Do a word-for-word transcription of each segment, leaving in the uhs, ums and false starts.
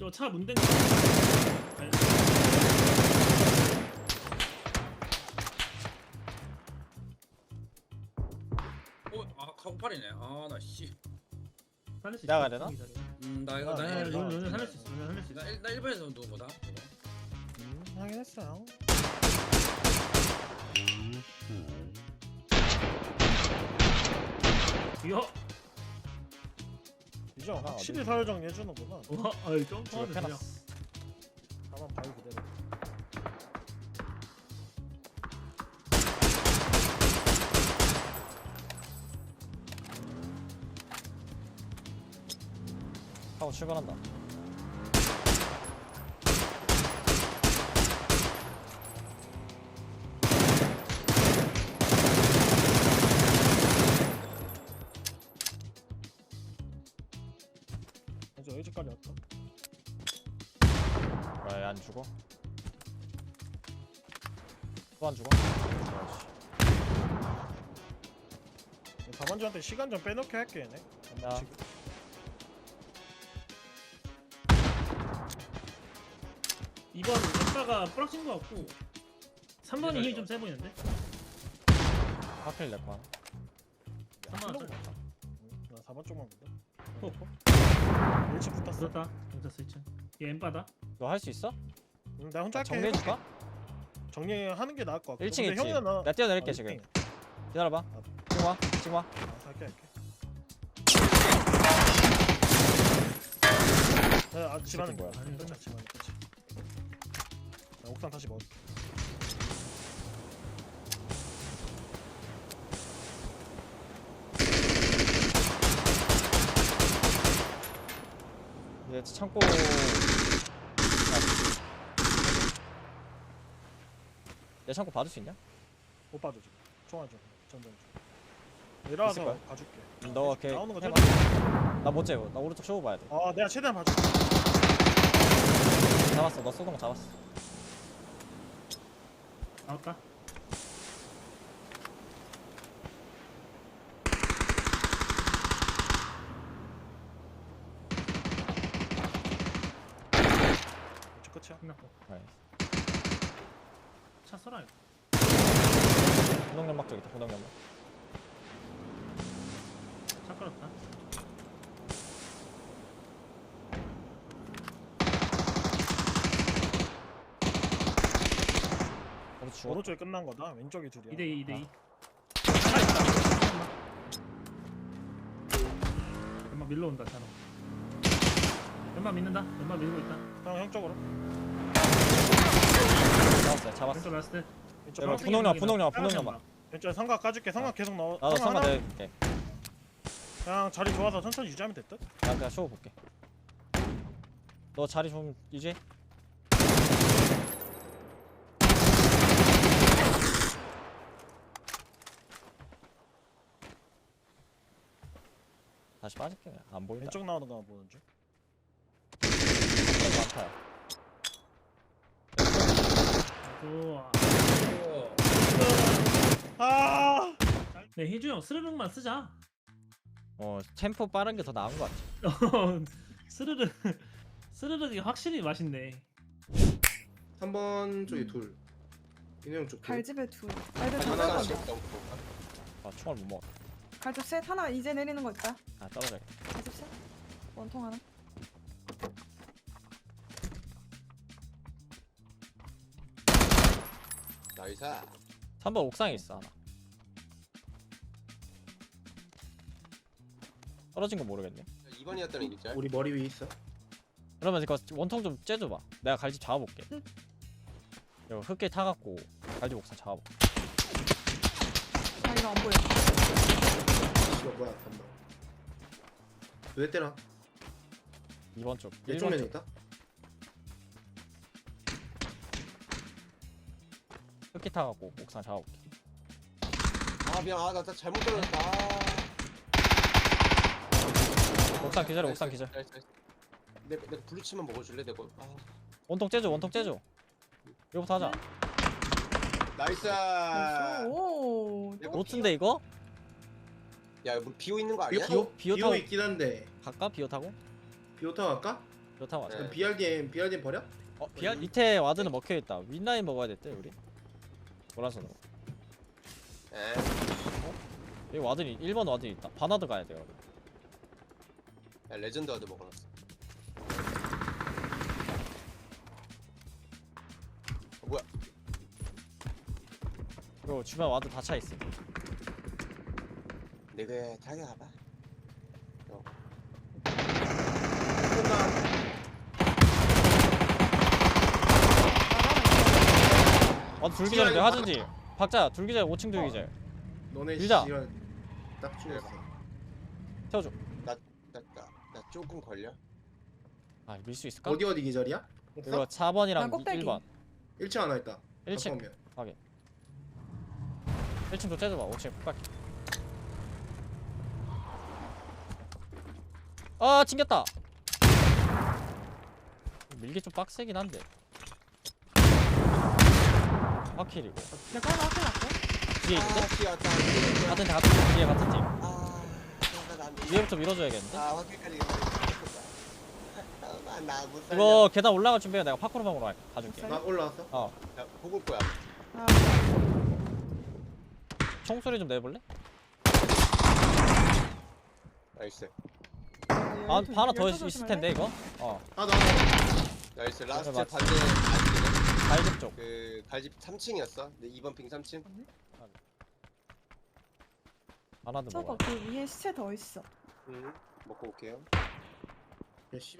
저 차 문댄 거. 아니, 어, 아 카고팔이네. 아 나 씨. 살릴 수 있어. 나가야 되나? 음, 나 이거 아, 나 아, 일- 론 론 살릴 수 있어. 론 살릴 수 있어. 나 일- 나 일본에서 누운 거다. 이거. 음, 확인했어요. 이야. 이제 확실히 어디? 사회정 해주는구나. 와, 아이 점프하네 이렇게 그냥. 해놨어. 가만 바위 그대로. 하고 출발한다. 이제 어디까지 왔다? 왜 안 죽어? 또 안 죽어? 다반주한테 시간 좀 빼놓게 할게 얘네. 야. 지금. 이번 엠바가 뿌락친 거 같고 삼 번이 힘이 좀 세 보이는데? 하필 내 거야. 삼 번 킬로그 왔다. 맞다. 응, 나 사 번 쪽만 본다. 호, 일찍 붙었어. 붙었다. 경찰서 이 층. 얘 엠바다. 너 할 수 있어? 응, 나 혼자 할게. 정리해줄까? 정리하는 게 나을 것 같고. 일 층 근데 있지? 형이나 나. 나 뛰어내릴게 아, 지금. 일 층이야. 기다려봐. 지금 와. 지금 와. 아, 할게 할게. 야, 아, 집안은 뭐야? 뭐야? 끝이야, 집안은 끝이. 자, 옥상 다시 먹을게. 이제 창고. 내 창고 받을 수 있냐? 못 봐줘 지금. 총알 좀. 전전 좀. 내려와서 있을 거야? 봐줄게. 너 이렇게 나오는 거 해봐. 제발. 나 못 재워. 나 오른쪽 쇼우 봐야 돼. 아, 내가 최대한 봐줄게. 잡았어. 너 쏘던 거 잡았어. 나왔다. 이제 끝이야. 끝났고. 나이스. 차 써라 이거. 분홍연막 쪽 있다. 분홍연막. 차 끌었다. 어디 죽어? 오른쪽에 끝난 거다. 왼쪽이 둘이야. 이 대 이, 이 대 이. 아. 하나 있다. 연마 밀러온다 차로. 연마 믿는다. 연마 밀고 있다. 형, 형 쪽으로. 잡았어. 잡았어. 왼쪽 라스트. 왼쪽 여러분, 방. 분홍연막, 분홍연막, 분홍연막. 왼쪽에 삼각 까줄게. 삼각 계속 넣어. 나도 삼각 선만 하나. 내릴게. 그냥 자리 좋아서 천천히 유지하면 됐다. 나 그냥 쇼우 볼게. 너 자리 좀 유지해. 다시 빠질게. 안 보인다. 왼쪽 나오는 거만 보는 중. 많다. 좋아. 어, 아! 네 희주 형 스르륵만 쓰자. 어 템포 빠른 게 더 나은 것 같아. 스르륵 스르륵이 확실히 맛있네. 삼 번 쪽에 둘. 인형 쪽 둘. 갈집에 둘. 갈집 하나 하나. 하나씩. 아 총알 못 먹어. 갈집 셋 하나 이제 내리는 거 있다. 아 떨어져. 갈집 셋. 원통 하나. 나이스. 삼 번 옥상에 있어 하나. 떨어진 거 모르겠네. 이 번이었다는 얘기죠? 우리 머리 위에 있어. 그러면 이거 원통 좀 째줘봐. 내가 갈집 잡아볼게. 응. 이거 흙길 타갖고 갈집 옥상 잡아볼게. 아 이거 안 보여. 이거 뭐야? 잠깐만. 왜 때려? 이 번 쪽. 내 일 번 쪽면에 쪽. 있다? 흙길 타갖고 옥상 잡아볼게. 아 미안. 아나 나 잘못 떨어졌다. 옥상 기절해. 옥상 기절. 내가 내가 블루치만 먹어줄래? 내가. 아. 원통 째줘. 원통 째줘. 이거부터 하자. 나이스. 오. 또 노트인데 이거? 야, 뭐 비오 있는 거 아니야? 비오 비오 타고 비오 있긴 한데 갈까? 비오 타고? 비오 타고 갈까? 좋다 맞아. 그럼 비알디엠 비알디엠 버려? 어 비알 밑에 와드는 먹혀 있다. 윗라인 먹어야 됐대 우리. 노란선으로. 에 여기 와드니 일 번 와드 있다. 바나드 가야 돼 여러분. 야, 레전드 와드 먹어놨어. 어, 뭐야? 그리고 주변 와드 다 차 있어. 내가 타게 가봐. 와드 둘 기절인데 하진지. 박자 둘 기절 오 층 둘 기절. 너네 밀자. 시간 딱 죽었어. 태워줘. 나, 나, 나 조금 걸려? 아 밀 수 있을까? 어디 어디 기절이야? 이거 사 번이랑 나 꼭대기. 일 번. 일 층 하나 있다. 일 층. 잠깐만. 일 층도 째줘봐. 오 층 푹갈게. 아 튕겼다. 밀기 좀 빡세긴 한데. 확킬이고 내가 하나 확인 났고. 뒤에 있는데? 아, 뛰었다. 같은 팀 같은 팀 뒤에 같은 팀. 아, 나안 위에부터 밀어줘야겠는데? 아, 확실까지 아, 나못 살려. 이거 계단 올라갈 준비해. 내가 파쿠르방으로 가- 가줄게. 못 나 올라왔어? 어 야, 보고 올 거야. 아, 총소리 좀 내볼래? 나이스. 아 열두- 하나 더 열두 있- 있을 조심할래? 텐데 이거? 어 아 나. 나이스. 라스트 맞지. 반대 갈집. 갈집 쪽. 그 갈집 삼 층이었어. 근데 이 번 핑 삼 층. 하나도 저거 먹어. 그 위에 시체 더 있어. 음, 먹고 올게요. 야 씨발.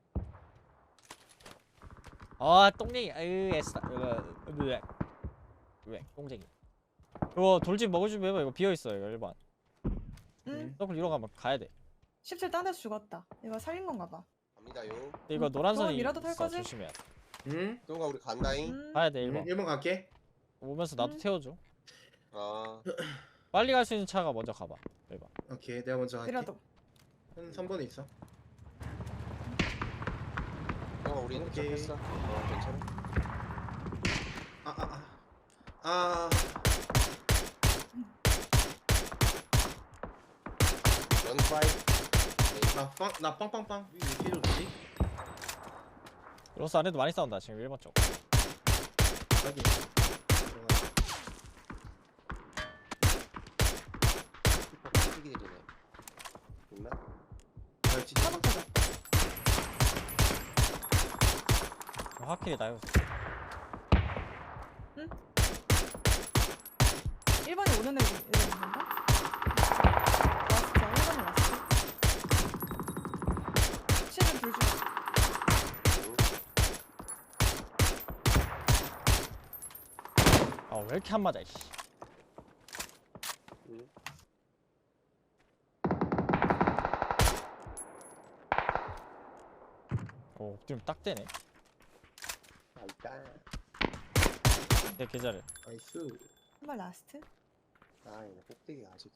아 똥쟁이. 아유 애쓰다. 으 왜? 똥쟁이. 이거 돌집 먹을 준비해봐. 이거 비어있어 이거 일 번. 응. 서클 이러 가면 가야 돼. 십칠 딴 데서 죽었다. 이거 살린 건가 봐. 갑니다요. 근데 이거 음, 노란선이 저건 미라도 탈 있어. 거지? 조심해야 돼. 응? 동가 우리 간다잉. 음. 가야 돼 일 응. 번. 일 번 갈게. 오면서 나도 음. 태워줘. 아, 빨리 갈 수 있는 차가 먼저 가봐. 일 번. 오케이 내가 먼저 갈게. 미라도. 한 삼 번에 있어. 동가 우리 핸드 오케이. 잡혔어. 어, 괜찮아. 아 아 아. 아. 런 파이. 나빵나 빵빵빵. 왜 이렇게 좋지? 로스 안에도 많이 싸운다 지금 일 번 쪽. 여기. 슈퍼 찌기들이네. 있나? 잘 찢어. 사번 타자. 확실히 나요. 일 번이 오는 애 있는 건가? 라스트야. 일 번이 라스트. 시는 둘 중. 아 왜 이렇게 안 맞아 이씨. 응. 오 지금 딱 되네. 아, 있다. 내 계좌를. 나이스. 한 번 라스트. 아, 이거 꼭대기가 아직.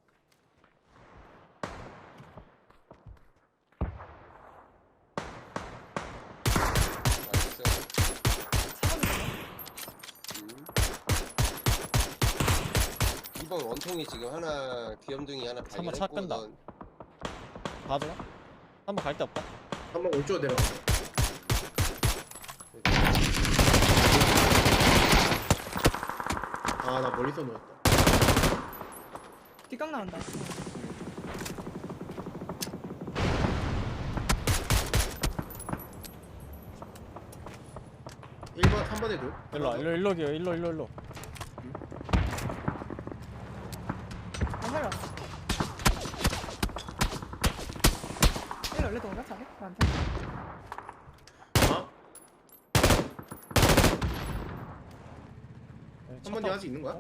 나이스. 사 번이 음. 이번 원통이 지금 하나 귀염둥이 하나 삼 번 차 발견했고 끈다. 넌 봐줘. 한번 갈 데 없다. 한 번 왼쪽으로 내려가. 아 나 멀리서 놓았다. 뒷각 나온다. 일 번 삼 번에 둘. 일로 와, 일로 일로 기어 일로 일로 일로. 안 살렸어. 일 원래 동가 차례? 나한테. 아? 한 번에 아직 있는 거야?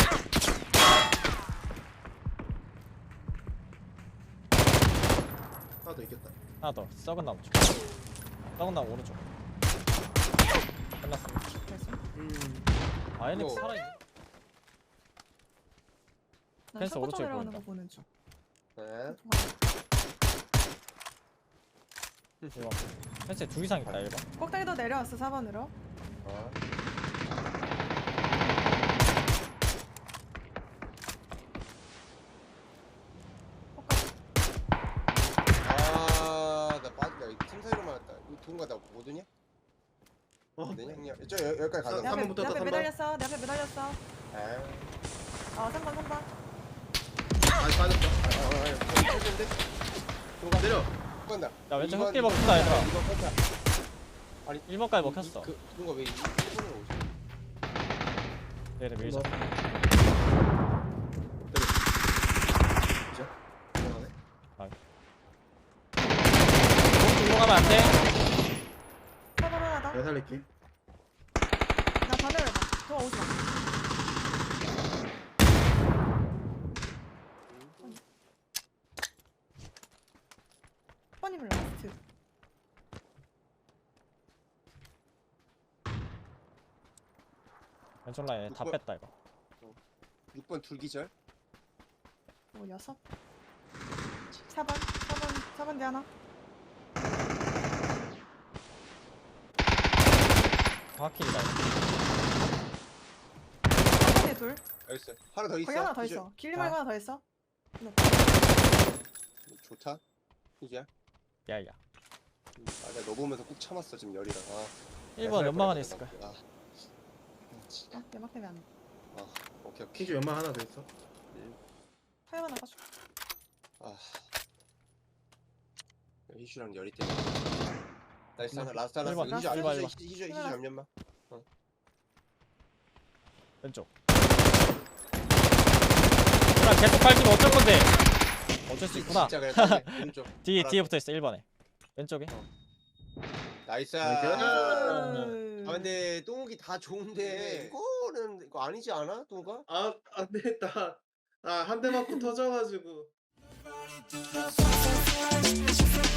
하나 더 있겠다. 하나 더 썩은 나무 쪽. 썩은 나무 오른쪽. 끝났어. 됐어. 음. 아이넥스 이거- 살아있네. 난 펜스 첫 번째 오른쪽에 내려가는 보인다. 거 보는 중. 네. 이거 펜스에 두 이상 있다 일 번. 꼭대기도 내려왔어 사 번으로. 어. 꼭대기. 아, 나 빠진다. 팀 사이로 맞았다. 이거 누군가 나 못 오냐? 어. 내 형님 저 여- 여기까지 사- 가자. 내 삼 앞에 번부터 내 앞에 삼 번. 매달렸어. 내 앞에 매달렸어. 아, 어 삼 번 삼 번. 아 빠졌다. 아, 아, 아, 데 누가 내려. 간다. 야 왼쪽 이번- 흑길 이번 먹힌다 얘들아. 이번 컨타. 일 번까지 먹혔어. 그 누가 왜 일본으로 오지? 얘를 밀자. 들어가네. 이거 가면 안 돼. 사 번 하나 더. 내가 살릴게. 나 반대로 해봐. 도와 오지 마. 번이면 라스트. 왼쪽 라인 다 육 번. 뺐다 이거. 육 번 둘기절. 오 여섯. 사 번 사 번 사 번 대 하나. 화킬이다 이거. 사 번에 둘. 여기 있어. 하나 더 있어. 거기 하나 더 기절. 있어. 길리 말고 하나 더 있어. 좋다. 이제. 야야. 아, 내가 너 보면서 꾹 참았어 지금 열이라. 아, 일 번 연막 안에 있을 거야. 아, 어? 내막 때문에 안 돼. 오케이 오케이. 킹주 연막 하나 더 있어. 타이어 하나 가져. 아, 희슈랑 열이 때문에. 나이스 하나 라스트 하나. 일 번, 희슈 일 희슈 번, 일 번. 희슈 희슈 희슈 잠깐만. 왼쪽. 그럼 계속 밟히면 어쩔 건데. 어쩔 수 있구나. 진짜 그래. 딱 오른쪽. 뒤 알았어. 뒤에 붙어 있어 일 번에. 왼쪽에. 나이스. 나이스. 아 근데 똥욱이 다 좋은데 이거는 이거 아니지 않아? 똥욱아? 아, 안 되겠다. 아, 한 대 맞고 터져가지고.